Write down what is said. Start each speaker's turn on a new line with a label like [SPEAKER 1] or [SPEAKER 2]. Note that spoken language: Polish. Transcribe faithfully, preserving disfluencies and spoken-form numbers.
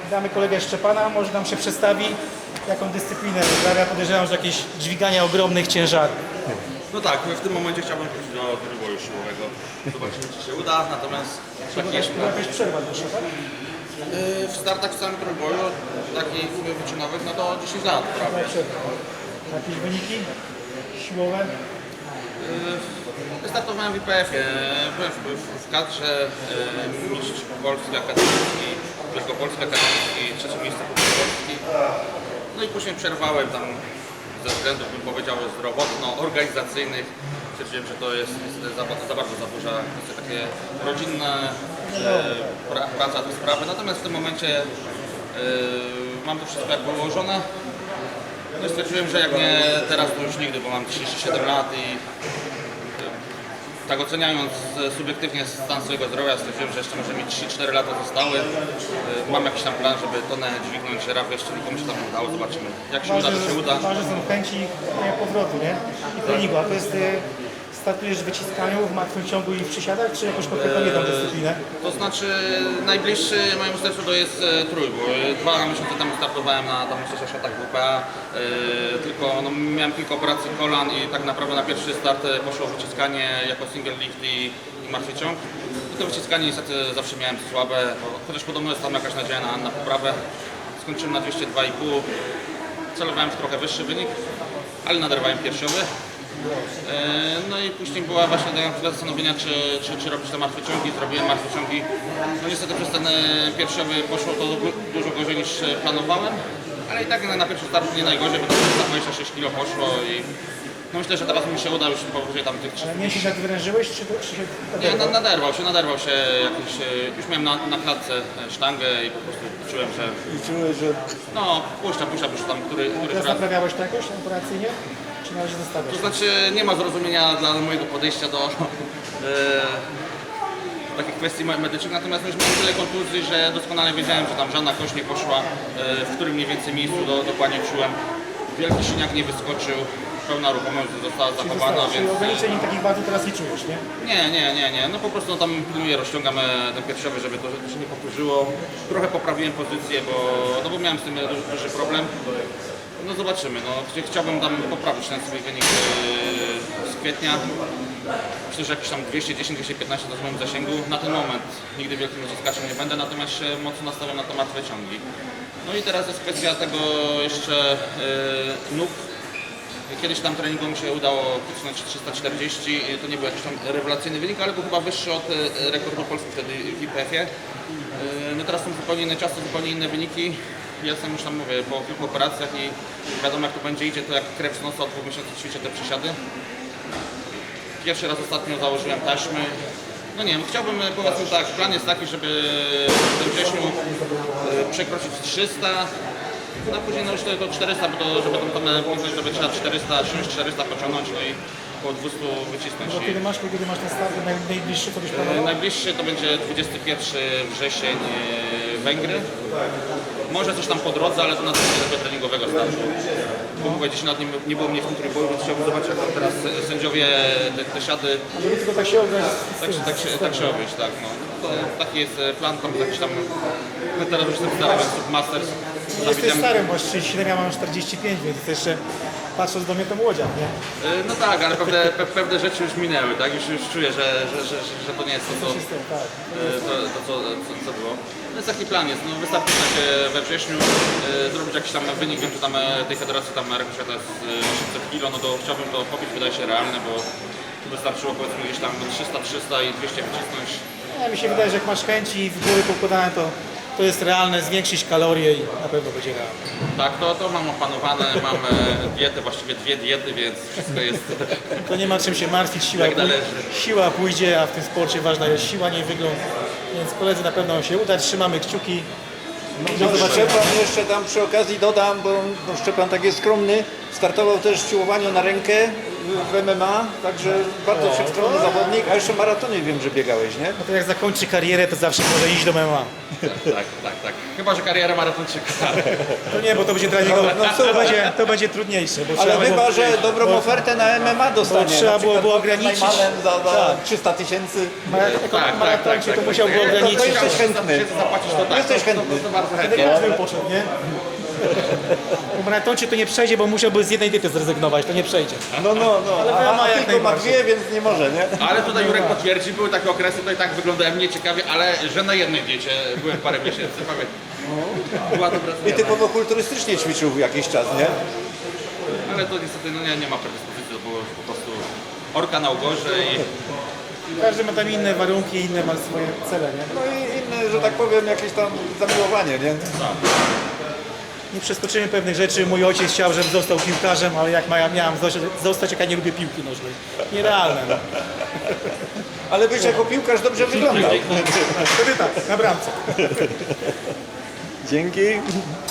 [SPEAKER 1] Damy kolegę Szczepana, może nam się przedstawi, jaką dyscyplinę uprawia. Podejrzewam, że jakieś dźwigania ogromnych ciężarów.
[SPEAKER 2] No tak, w tym momencie chciałbym wrócić do trójboju siłowego. Zobaczymy, czy się uda, natomiast taki jest
[SPEAKER 1] Była jakaś przerwa dłuższa, tak?
[SPEAKER 2] w startach w całym trójboju, takich wyczynowych, no to dziesięć lat prawie.
[SPEAKER 1] Jakieś wyniki siłowe?
[SPEAKER 2] Wystartowałem w I P F-ie, byłem w, w, w kadrze e, mistrz Polski Akademicki, Wielkopolski Akademicki, trzecie miejsce Polski. No i później przerwałem tam ze względów, bym powiedział, zdrowotno-organizacyjnych. Stwierdziłem, że to jest niestety za, za bardzo za duża kwestia, takie rodzinne, e, pra, praca, te sprawy. Natomiast w tym momencie e, mam to wszystko jakby ułożone. No i stwierdziłem, że jak nie teraz, to już nigdy, bo mam trzydzieści siedem lat i tak oceniając subiektywnie stan swojego zdrowia, stwierdziłem, że jeszcze może mi trzy cztery lata zostały. Mam jakiś tam plan, żeby tonę dźwignąć, raf jeszcze nikomu się tam nie udało, zobaczymy. Jak się uda, to się uda.
[SPEAKER 1] Ważne są chęci powrotu, nie? I treningu, a to jest... Startujesz w wyciskaniu, w martwym ciągu i w przysiadach, czy jakoś konkretną jedną dyscyplinę?
[SPEAKER 2] To znaczy najbliższy mojemu sercu to jest e, trójbój. Dwa miesiące temu startowałem na tam szatach W P A, e, tylko no, miałem kilka operacji kolan i tak naprawdę na pierwszy start poszło wyciskanie jako single lift i, i martwy ciąg. I to wyciskanie niestety zawsze miałem słabe, chociaż podobno jest tam jakaś nadzieja na, na poprawę. Skończyłem na dwieście dwa i pół, celowałem w trochę wyższy wynik, ale naderwałem piersiowy. No i później była właśnie taka chwila zastanowienia, czy, czy, czy robić te martwe ciągi. Zrobiłem martwe ciągi. No niestety przez ten pierwszowy poszło to dużo gorzej niż planowałem, ale i tak na, na pierwszy start nie najgorzej, bo tam dwadzieścia sześć kilo poszło i no myślę, że teraz mi się uda już powyżej tam tych
[SPEAKER 1] Ale mięsień jak wyrężyłeś, czy, czy się
[SPEAKER 2] Nie, na, naderwał się, naderwał się jakiś, już miałem na, na klatce sztangę i po prostu czułem, że
[SPEAKER 1] I czułeś, że...
[SPEAKER 2] no puszcza, puszcza, już tam który, któryś
[SPEAKER 1] Teraz
[SPEAKER 2] raz.
[SPEAKER 1] naprawiałeś to jakoś operacyjnie? Czy na razie zostawiasz?
[SPEAKER 2] To znaczy nie ma zrozumienia dla mojego podejścia do e, takich kwestii medycznych, natomiast już miałem tyle kontuzji, że doskonale wiedziałem, że tam żadna kość nie poszła, e, w którym mniej więcej miejscu do, dokładnie czułem. Wielki siniak nie wyskoczył, pełna ruchomość została zachowana,
[SPEAKER 1] Czyli
[SPEAKER 2] więc...
[SPEAKER 1] ograniczeń takich bardzo teraz nie czujesz, nie?
[SPEAKER 2] Nie, nie, nie, nie. No po prostu no, tam pilnuję, rozciągam e, ten piersiowy, żeby to, żeby to się nie powtórzyło. Trochę poprawiłem pozycję, bo, no, bo miałem z tym duży, duży problem. No zobaczymy, no chciałbym tam poprawić ten swój wynik yy, z kwietnia. Myślę, że jakieś tam dwieście dziesięć dwieście piętnaście to w moim zasięgu. Na ten moment nigdy wielkim wyciskaczem nie będę, natomiast się mocno nastawiam na te martwe ciągi. No i teraz jest kwestia tego jeszcze yy, nóg. Kiedyś tam treningu mi się udało kucnąć trzysta czterdzieści, to nie był jakiś tam rewelacyjny wynik, ale był chyba wyższy od yy, rekordu Polski wtedy w I P F-ie. Yy, no teraz są zupełnie inne czasy, zupełnie inne wyniki. Ja sam już tam mówię, po kilku operacjach i wiadomo jak to będzie idzie, to jak krew z nosa od dwóch miesięcy ćwiczę te przysiady. Pierwszy raz ostatnio założyłem taśmy. No nie wiem, chciałbym, powiedzmy tak, plan jest taki, żeby w tym wrześniu przekroczyć trzysta, no a później no już to czterysta, bo to, żeby tą tonę pomysłeć, żeby trzeba czterysta, trzysta, czterysta pociągnąć, no i około dwieście wycisnąć.
[SPEAKER 1] Bo kiedy masz, kiedy masz ten start naj, najbliższy, co byś planował?
[SPEAKER 2] Najbliższy to będzie dwudziesty pierwszy wrzesień Węgry. Może coś tam po drodze, ale to na tego treningowego startu. Bo mówię, gdzieś nad nim nie było mnie w tym trójboju, więc chciałbym zobaczyć, jak tam teraz sędziowie te, te siady.
[SPEAKER 1] Żeby tylko tak się ograć.
[SPEAKER 2] Tak, się- tak, się, tak się obejść, tak. No. To, taki jest plan, tam jakiś tam. No teraz już jestem stary, więc Masters.
[SPEAKER 1] Jesteś starym, bo trzydzieści siedem, ja mam czterdzieści pięć, więc to jeszcze patrząc do mnie to młodziak, nie?
[SPEAKER 2] No tak, ale pewne, pe, pewne rzeczy już minęły, tak? Już, już czuję, że, że, że, że to nie jest to, co,
[SPEAKER 1] System, tak.
[SPEAKER 2] to, to, co, co, co było. No jest taki plan jest, no wystarczy się we wrześniu e, zrobić jakiś tam wynik, wiem, że tam e, tej federacji tam rekord świata jest e, osiemset kilo, no to chciałbym to pobić, wydaje się realne, bo tu wystarczyło powiedzmy gdzieś tam trzysta, trzysta i dwieście wycisnąć.
[SPEAKER 1] No, mi się wydaje, że jak masz chęci i w góry poukładane, to to jest realne, zwiększyć kalorie i na pewno będzie realne.
[SPEAKER 2] Tak, to, to mam opanowane, mam e, dietę, właściwie dwie diety, więc wszystko jest
[SPEAKER 1] To nie ma czym się martwić, siła,
[SPEAKER 2] Jak należy.
[SPEAKER 1] pój- siła pójdzie, a w tym sporcie ważna jest siła, nie wygląd. Więc koledzy na pewno się uda, trzymamy kciuki.
[SPEAKER 3] No, Szczepan jeszcze tam przy okazji dodam, bo no, Szczepan tak jest skromny, startował też w siłowaniu na rękę w M M A, także bardzo wszechstronny zawodnik, a jeszcze maratony wiem, że biegałeś, nie?
[SPEAKER 1] No to jak zakończy karierę, to zawsze może iść do M M A.
[SPEAKER 2] Tak, tak, tak. Chyba, że kariera maratończyka.
[SPEAKER 1] To nie, bo to będzie dla niego,
[SPEAKER 3] No, no,
[SPEAKER 1] to, będzie, to będzie trudniejsze. Bo
[SPEAKER 3] Ale
[SPEAKER 1] trzeba
[SPEAKER 3] chyba,
[SPEAKER 1] było-
[SPEAKER 3] że dobrą
[SPEAKER 1] bo-
[SPEAKER 3] ofertę na M M A dostanie.
[SPEAKER 1] bo trzeba
[SPEAKER 3] Na
[SPEAKER 1] było-
[SPEAKER 3] przykład
[SPEAKER 1] było
[SPEAKER 3] Gordon
[SPEAKER 1] ograniczyć-
[SPEAKER 3] Najmanem za, za
[SPEAKER 1] Tak.
[SPEAKER 3] trzysta tysięcy.
[SPEAKER 1] Jako maratończyk to musiałby
[SPEAKER 2] tak.
[SPEAKER 1] ograniczyć.
[SPEAKER 3] To jesteś chętny.
[SPEAKER 2] Zapłacić to tak.
[SPEAKER 3] Jesteś
[SPEAKER 2] to,
[SPEAKER 3] chętny.
[SPEAKER 2] To, to bardzo
[SPEAKER 1] Wtedy
[SPEAKER 2] chętnie.
[SPEAKER 1] każdy bym poszedł, nie? Bo maratończyk to nie przejdzie, bo musiałby z jednej diety zrezygnować, to nie przejdzie.
[SPEAKER 3] No, no, no.
[SPEAKER 1] Ale
[SPEAKER 3] A,
[SPEAKER 1] ma
[SPEAKER 3] a
[SPEAKER 1] jak
[SPEAKER 3] tylko ma
[SPEAKER 1] najbardziej.
[SPEAKER 3] dwie, więc nie może, nie?
[SPEAKER 2] Ale tutaj Jurek potwierdzi, były takie okresy, to i tak wyglądałem nieciekawie, ale że na jednej diecie byłem parę miesięcy, pamiętam. Była dobra
[SPEAKER 3] I
[SPEAKER 2] zmiana.
[SPEAKER 3] typowo kulturystycznie ćwiczył jakiś czas, nie?
[SPEAKER 2] Ale to niestety no nie, nie ma predyspozycji, to było po prostu orka na ugorze i
[SPEAKER 1] Każdy ma tam inne warunki, inne ma swoje cele, nie?
[SPEAKER 3] No i inne, że tak powiem, jakieś tam zamiłowanie, nie?
[SPEAKER 1] Nie przeskoczymy pewnych rzeczy. Mój ojciec chciał, żebym został piłkarzem, ale jak ma- miałem zostać- zostać, jak ja nie lubię piłki nożnej. Nierealne. No.
[SPEAKER 3] Ale byś jako piłkarz dobrze wyglądał.
[SPEAKER 1] Wtedy tak, na bramce.
[SPEAKER 3] Dzięki.